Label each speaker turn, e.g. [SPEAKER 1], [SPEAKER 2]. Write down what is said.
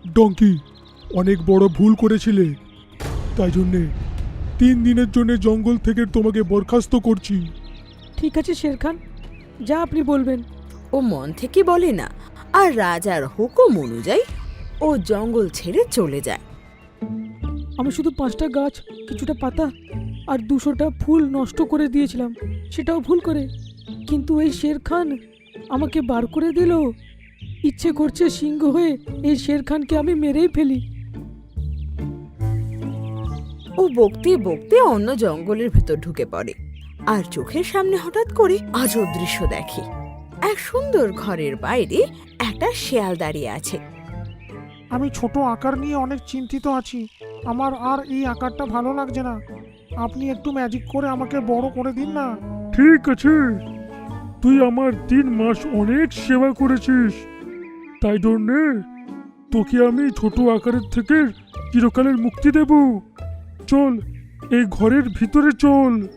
[SPEAKER 1] Donkey, অনেক বড় ভুল করেছিলে, তাই জন্যে 3 দিনের জন্য জঙ্গল থেকে তোমাকে বরখাস্ত করছি।
[SPEAKER 2] ঠিক আছে শের খান, যা আপনি বলবেন।
[SPEAKER 3] ও মন থেকে বলে না, আর রাজার হুকুম অনুযায়ী ও জঙ্গল ছেড়ে চলে যায়।
[SPEAKER 2] আমি শুধু 5টা গাছ, কিছুটা পাতা আর 200টা ফুল নষ্ট করে দিয়েছিলাম, সেটাও ভুল করে। কিন্তু এই শের খান আমাকে বার করে দিল। ইচ্ছে করছে সিংহ হয়ে এই শের খানকে আমি মেরেই ফেলি।
[SPEAKER 3] ও বকতে বকতে অন্য জঙ্গলের ভেতর ঢুকে পড়ে, আর চোখের সামনে হঠাৎ করে আজব দৃশ্য দেখে। এক সুন্দর ঘরের বাইরে একটা শেয়াল দাঁড়িয়ে আছে।
[SPEAKER 4] আমি ছোট আকার নিয়ে অনেক চিন্তিত আছি। আমার আর এই আকারটা ভালো লাগছে না। আপনি একটু ম্যাজিক করে আমাকে বড় করে দিন না।
[SPEAKER 1] ঠিক আছে, তুই আমার 3 মাস অনেক সেবা করেছিস, তাই জন্যে তোকে আমি ছোট আকারের থেকে চিরকালের মুক্তি দেব। চল, এই ঘরের ভিতরে চল।